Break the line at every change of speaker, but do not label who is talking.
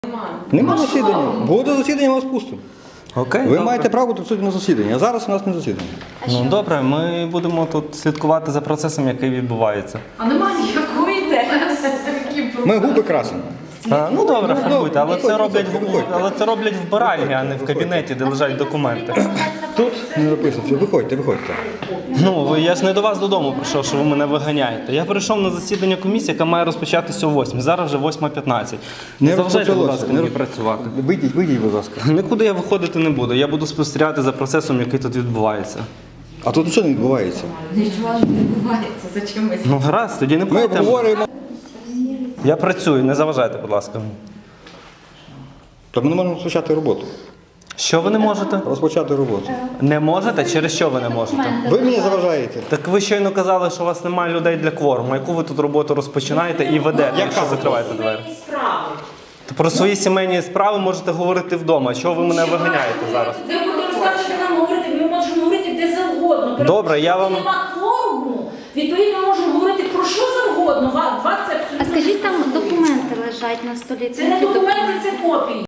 Нема засідання. Буде засідання, ми вас пустимо.
Окей,
Ви
добре.
маєте право присутні на засідання, а зараз у нас не засідання.
Ну добре, ми будемо тут слідкувати за процесом, який відбувається.
А немає ніякої тези.
Ми губи красимо.
Ну добре, фарбуйте, але це
виходьте.
роблять в баральні, а не в кабінеті, де лежать документи.
Тут не написано. Виходьте.
Ну, я ж не до вас додому прийшов, що ви мене виганяєте. Я прийшов на засідання комісії, яка має розпочатися о 8. Зараз вже 8:15. Не заважайте, будь ласка, мені працювати.
Вийдіть, будь ласка.
Нікуди я виходити не буду. Я буду спостерігати за процесом, який тут відбувається.
А тут нічого не відбувається.
Нічого ж не відбувається, зачем ми?
Ну гаразд, тоді не
Ми
платимо.
обговорюємо.
Я працюю, не заважайте, будь ласка.
Та ми не можемо розпочати роботу.
Що ви не можете?
Розпочати роботу.
Не можете? Через що ви не можете?
Ви мені заважаєте.
Так ви щойно казали, що у вас немає людей для кворуму. Яку ви тут роботу розпочинаєте і ведете, якщо закриваєте двері? То про свої сімейні справи можете говорити вдома. Чого ви мене виганяєте зараз?
Ви будете розкажете нам говорити, ми можемо говорити де завгодно.
Добре, я вам-
Нема кворуму, відповідно, ми можемо говорити про що завгодно. Вас це
А
абсолютно...
скажіть, там документи лежать на столі.
Це не документи, це копії.